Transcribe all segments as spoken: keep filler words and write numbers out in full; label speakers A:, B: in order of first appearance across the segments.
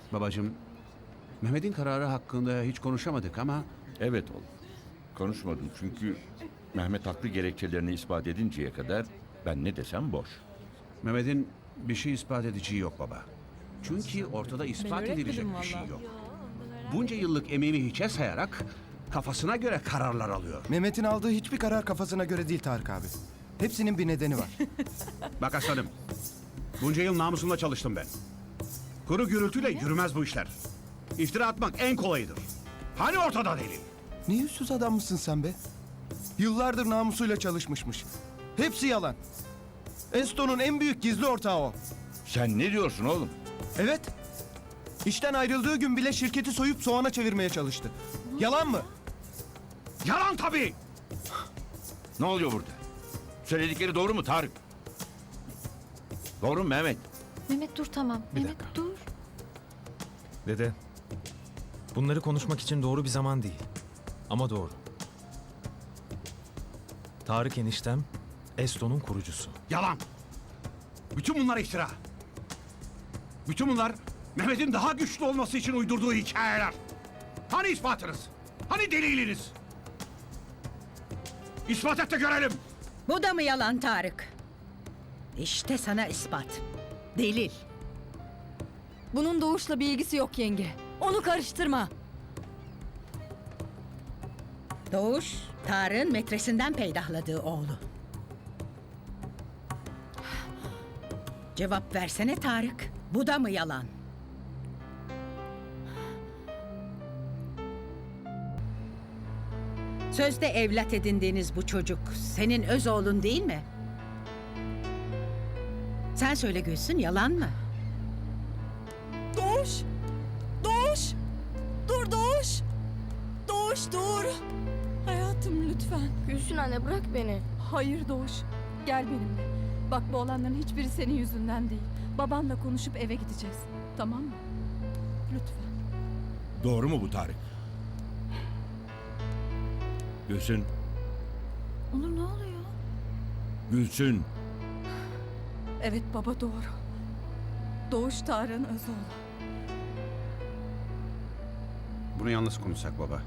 A: Babacığım, Mehmet'in kararı hakkında hiç konuşamadık ama...
B: Evet oğlum. Konuşmadım çünkü Mehmet haklı gerekçelerini ispat edinceye kadar ben ne desem boş.
A: Mehmet'in bir şey ispat edeceği yok baba. Çünkü ortada ispat edilecek bir şey yok. Bunca yıllık emeğini hiçe sayarak kafasına göre kararlar alıyor.
C: Mehmet'in aldığı hiçbir karar kafasına göre değil Tarık abi. Hepsinin bir nedeni var.
A: Bak aslanım, bunca yıl namusumla çalıştım ben. Kuru gürültüyle yürümez bu işler. İftira atmak en kolayıdır. Hani ortada delil?
C: Ne yüzsüz adam mısın sen be? Yıllardır namusuyla çalışmışmış. Hepsi yalan. Eston'un en büyük gizli ortağı o.
B: Sen ne diyorsun oğlum?
C: Evet. İşten ayrıldığı gün bile şirketi soyup soğana çevirmeye çalıştı. Yalan mı?
A: Yalan tabii!
B: Ne oluyor burada? Söyledikleri doğru mu Tarık? Doğru mu Mehmet?
D: Mehmet dur tamam.
E: Bir
D: Mehmet
E: dakika.
D: dur.
E: Dede, bunları konuşmak için doğru bir zaman değil. Ama doğru. Tarık eniştem, Eston'un kurucusu.
A: Yalan! Bütün bunlar iftira. Bütün bunlar Mehmet'in daha güçlü olması için uydurduğu hikayeler. Hani ispatınız? Hani deliliniz? İspat et de görelim.
F: Bu da mı yalan Tarık? İşte sana ispat. Delil.
D: Bunun Doğuş'la bir ilgisi yok yenge. Onu karıştırma.
F: Doğuş, Tarık'ın metresinden peydahladığı oğlu. Cevap versene Tarık. Bu da mı yalan? Sözde evlat edindiğiniz bu çocuk senin öz oğlun değil mi? Sen söyle Gülsün, yalan mı?
G: Doğuş! Doğuş! Dur Doğuş! Doğuş dur! Hayatım lütfen.
D: Gülsün anne bırak beni.
G: Hayır Doğuş. Gel benimle. Bak bu olanların hiçbiri senin yüzünden değil. Babanla konuşup eve gideceğiz. Tamam mı? Lütfen.
B: Doğru mu bu Tarık? Gülsün,
D: Onur ne oluyor?
B: Gülsün.
G: Evet baba doğru. Doğuş Tarık'ın öz oğlu.
A: Bunu yalnız konuşsak baba.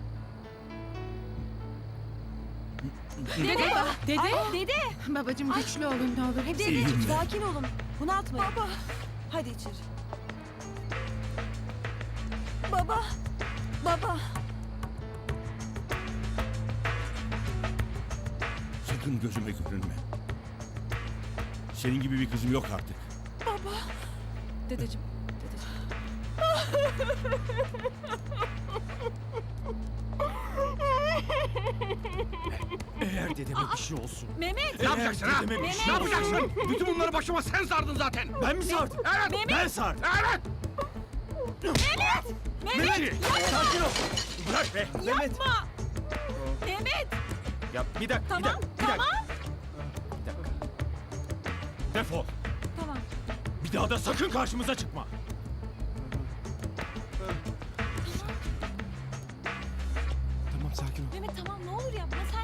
D: Dede! Dede! Dede!
F: Babacığım güçlü olun ne olur. Hepsi
D: Dedeciğim sakin olun. Bunaltmayın.
G: Baba!
D: Hadi içeri.
G: Baba! Baba!
B: Sakın gözüme görünme. Senin gibi bir kızım yok artık.
G: Dedeciğim. Dedeciğim.
E: Eğer dedeme bir şey olsun.
D: Mehmet!
A: Ne yapacaksın ha?
E: dedeme bir
A: Ne
E: şey
A: yapacaksın? Bütün bunları başıma sen sardın zaten.
E: Ben mi sardım?
A: Evet!
E: Ben sardım.
A: Evet!
E: Mehmet! Sakin ol. Bırak be. Mehmet.
D: Mehmet!
E: Ya bir dakika,
D: Tamam,
E: bir dakika, bir
D: tamam.
E: dakika. Bir dakika. Defol.
D: Tamam.
E: Bir daha da sakın karşımıza çıkma.
C: Tamam sakin ol.
D: Mehmet tamam ne olur yapma sen